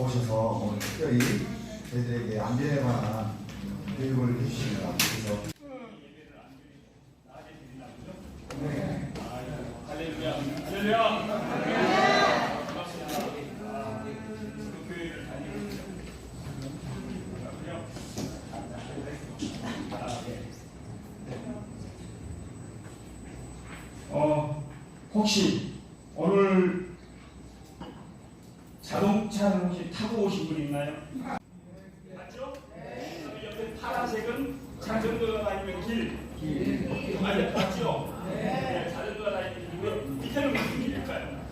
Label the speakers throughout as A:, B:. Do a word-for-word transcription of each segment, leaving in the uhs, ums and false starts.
A: 오셔서 오늘 특별히 저희들에게 안전에 관한 교육을 해주십니다. 그래서
B: 네. 할렐루야. 할렐루야. 반갑습니다. 아, 교회를 다니고 있군요. 아, 네. 어, 혹시 오늘 자동차를 혹시 타고 오신 분 있나요? 맞죠? 네. 옆에 파란색은 자전거가 다니는 길. 길. 맞아요. 맞죠? 네. 네. 자전거가 다니는 길이고요. 밑에는 무슨 길일까요?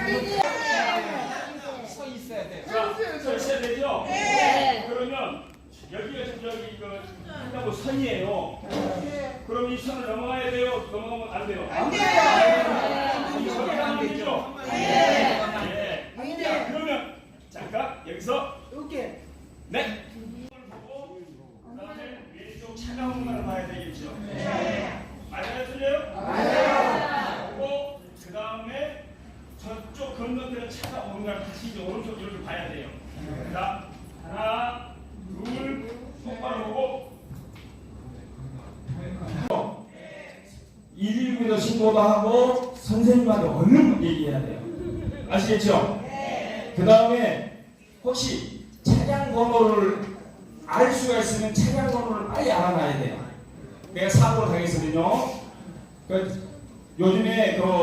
C: 서 있어야 돼.
B: 자, 서 있어야 되죠?
D: 네.
B: 그러면 여기가 지금 여기 이거 한다고 선이에요. 그럼 이 선을 넘어가야 돼요? 넘어가면 안 돼요? 안 돼요. 이 선이 안 되죠? 네. 자, 그러면 잠깐 여기서
D: 이렇게.
B: 네. 이걸 보고 그다음에 왼쪽 차가운 공간을 봐야 되겠죠? 맞아요, 틀려요? 맞아요. 그리고 그 다음에 저쪽 건너편에 차가 오는 걸 같이 이제 오른쪽 이렇게 봐야 돼요. 자, 하나, 둘, 똑바로 보고. 일일구에서 신고도 하고 선생님한테 얼른 얘기해야 돼요. 아시겠죠? 그 다음에 혹시 차량 번호를 알 수가 있으면 차량 번호를 빨리 알아놔야 돼요. 내가 사고를 당했거든요. 그 요즘에 그